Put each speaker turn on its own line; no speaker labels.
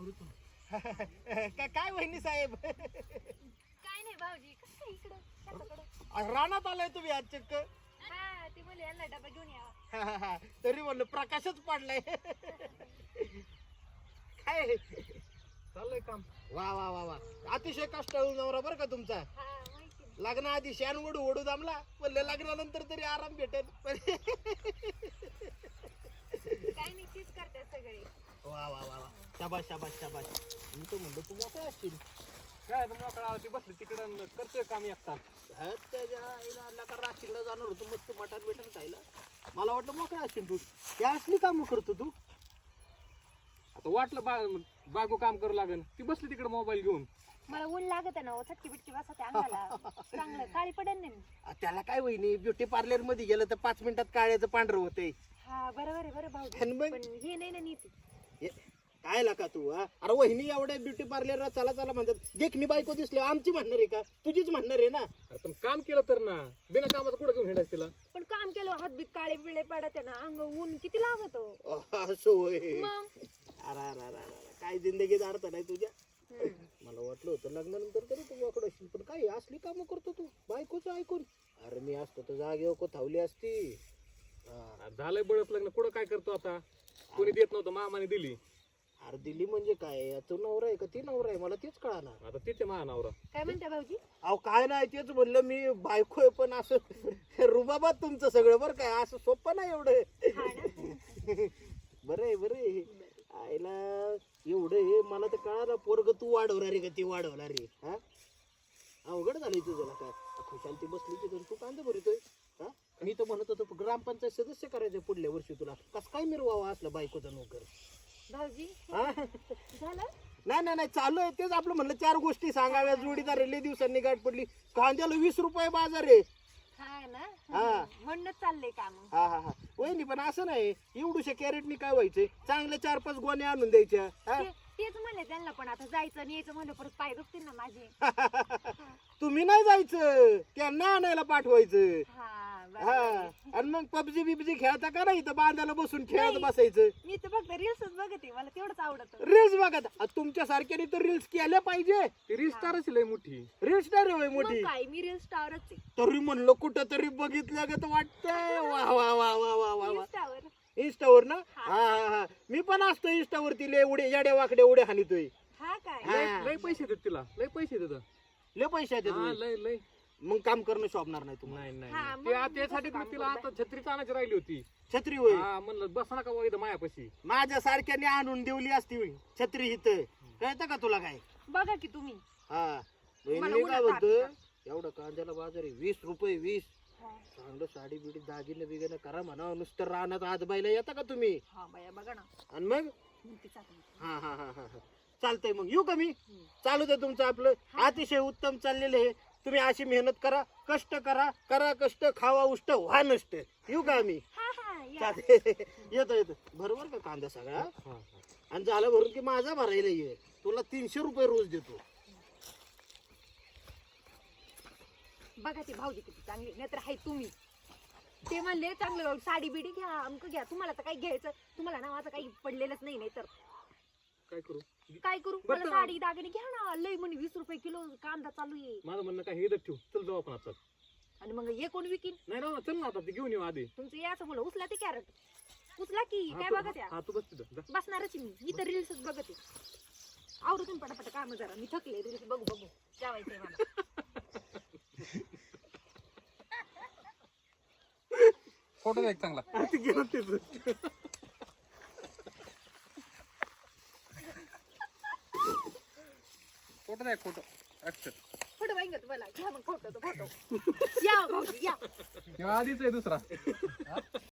काय वहिनी साहेब
काय नाही भाऊजी कसं इकडं कशाकडं
रानात आलाय तुम्ही आज चक्क
हा ती बोलली यांना डबा घेऊन या
तरी म्हणलं प्रकाशच पडलाय काय
चाललंय काम.
वा वा वा वा अतिशय कष्टाळू नवरा बरं का तुमचा.
हा माहिती ना.
लग्नाआधी शान ओढू ओढू जमला म्हणलं लग्नानंतर तरी आराम भेटेल.
काय नाही तीच करतात सगळे.
वा वा वा वा शाबाश शाबाश शाबाश. मी तर म्हणलं तू मोकळा असशील.
काय आता मोकळा ती बसली तिकडं करतोय काम एकटा.
त्याच्या आईला आणला का राशीला जाणार होतो मस्त मटण बिटन खायला. मला वाटलं मोकळा असशील तू. त्या असली कामं करतो तू.
आता वाटलं बागू काम करू लागेल ती बसली तिकडे मोबाईल घेऊन.
मला ऊन लागत ना चटकी बिटकी बसते अंगाला चांगलं काळी पडेल नाही मी.
त्याला काय वहिनी ब्युटी पार्लर मध्ये गेलं तर 5 मिनिटात काळ्याचं पांढरं होतंय.
हा बरोबर आहे बरं भाऊ
आणि मग?
पण हे नाही ना नीती.
काय लाका तू हा. अरे वहिनी एवढ्या ब्युटी पार्लरला चला चला म्हणतात. देखणी बायको दिसली आमची म्हणणार आहे का तुझीच म्हणणार आहे ना.
अरे पण काम केलं तर ना बिना कामाचं कुठं घेऊन हिंडायचं तिला.
पण काम केलं हात बीत काळे बिळे पडत ना अंग ऊन किती लागत
असं होय.
मग
अरे अरे अरे अरे काय जिंदगीत अर्थ नाही तुझ्या. मला वाटलं होतं लग्नानंतर तरी तू वाकड असशील पण काय असली कामं करतो तू बायकोच ऐकून. अरे मी असतो तर जागेवर को थावली असती.
झालंय बळच लग्न कुठं काय करतो आता. कोणी देत नव्हतं मामाने दिली.
अरे दिली म्हणजे काय तू नवरा आहे का ती नवरा आहे मला तेच कळाना.
आता तिथे महानवरा.
काय म्हणता भाऊजी.
अहो काय नाही तेच म्हणलं मी बायको आहे पण असं रुबाबात तुमचं सगळं बरं काय असं सोपं नाही एवढं.
हा ना
बरं आहे बरं आहे. आईला एवढं हे मला तर कळालं पोरग तू वाढवणार रे का ती वाढवणार रे. हा अवघड झालंय तुझं काय खुशाल ती बसली तिथून तू कांदा भरतोय. हा मी तर म्हणत होतो ग्रामपंचायत सदस्य करायचं पुढल्या वर्षी तुला कस काय मिरवावा असलं बायकोचा नोकर.
भाऊजी
हा
झालं.
नाही नाही नाही चालू आहे तेच आपलं म्हणलं 4 गोष्टी सांगाव्या जोडीदार लय दिवसांनी गाठ पडली. कांद्याला 20 रुपये बाजार आहे.
हा ना
हा.
म्हणूनच चाललंय काम.
हा हा हा वहिनी पण असं नाही एवढूशा कॅरेटनी काय व्हायचंय चांगल्या 4-5 गोण्या आणून द्यायच्या. हा
तेच म्हणले त्यांना पण आता जायचं आणि यायचं म्हणलं परत पाय दुखतील ना माझे.
तुम्ही नाही जायचं त्यांना आणायला पाठवायचं.
हा
हा
बरोबर.
आणि मग पबजी बिबजी खेळता का नाही इथं बांधायला बसून खेळत बसायचं.
मी तर फक्त रील्सच बघते मला तेवढंच आवडत.
रील्स बघा तुमच्या सारख्याने तर रील्स केल्या पाहिजे.
ती रिस्टारच लय मोठी.
रील्स स्टार होय मोठी.
काय मी रील स्टारच आहे.
तरी म्हणलं कुठं तरी बघितलं ग वाटतंय. वा वा वा वा वा वा वा
Insta वर.
इंस्टावर ना. हा हा हा मी पण असतो इंस्टावरती लय उडे येड्या वाकड्या उड्या हानितोय.
हा काय
हा.
लय पैसे देत तिला. लय पैसे देत.
लय पैसे आहेत
हा
त्याचे.
लय लय.
मग काम करणं शोभणार नाही तुम्हाला.
नाही नाही
हा,
नाही.
मग
ते
मी
त्यासाठी
कसं
मग
काम
तिला आता छत्रीच आणायची राहिली होती.
छत्री होय.
हा म्हणलं बस नका बाबा इथं मायापाशी.
माझ्या सारख्याने आणून देवली असती छत्री इथं कळतं का तुला काय.
बघा की तुम्ही.
हा
मला
मी काय
उन्हात
म्हणतो
ताप
एवढं कांद्याला बाजार आहे 20 रुपये 20.
हा.
चांगलं साडी बिडी दागिने बिगिने करा म्हणा नुसतं रानात हात बायला येता का तुम्ही.
हा बाया बघा ना
आणि मग
म्हणते चालते.
हा हा हा हा हा चालतंय मग येऊ का मी. चालू दे तुमचं आपलं अतिशय उत्तम चाललेलं आहे. तुम्ही अशी मेहनत करा कष्ट करा करा कष्ट खावा उष्ट व्हा नष्ट. येऊ का आम्ही.
हा हा या.
चालतंय. येतो येतो बरोबर का कांदा सगळा.
हा, हा.
आणि झालं भरून की माझा भरायला ये तुला 300 रुपये रोज देतो.
बघा ते भाऊजी किती चांगले नाहीतर हाय तुम्ही. ते म्हणले चांगलं साडी बिडी घ्या अमक घ्या तुम्हाला तर काही घ्यायचं तुम्हाला ना माझं काही पडलेलंच नाही नाही तर
काय करू.
काय करू.
बरं
मला
तर-
साडी दागिने घ्या ना लय म्हणे 20 रुपये किलो कांदा चालू आहे.
माझं म्हणणं काय हे इथं ठेवू. चल जाऊ आपण आता.
आणि मग हे कोण विकीन.
नाही ना चल ना आता ते घेऊन येऊ आधी.
तुमचं याचं बोला उचला ते कॅरेट उचला की
हा,
काय
तू-
बघा त्या
हा तू बस तिथं जा.
बसणारच आहे मी तर रील्सच बघते. आवडतून पटापट काम जरा मी थकले रील्स बघू बघू जेवायचंय मला.
फोटो द्या एक चांगला.
ते गेलं तिथं.
फोटो द्या फोटो. ऍक्शन.
फोटो पाहिजे तुम्हाला घ्या मग फोटो तो फोटो या भाऊजी या.
आधीच आहे दुसरा.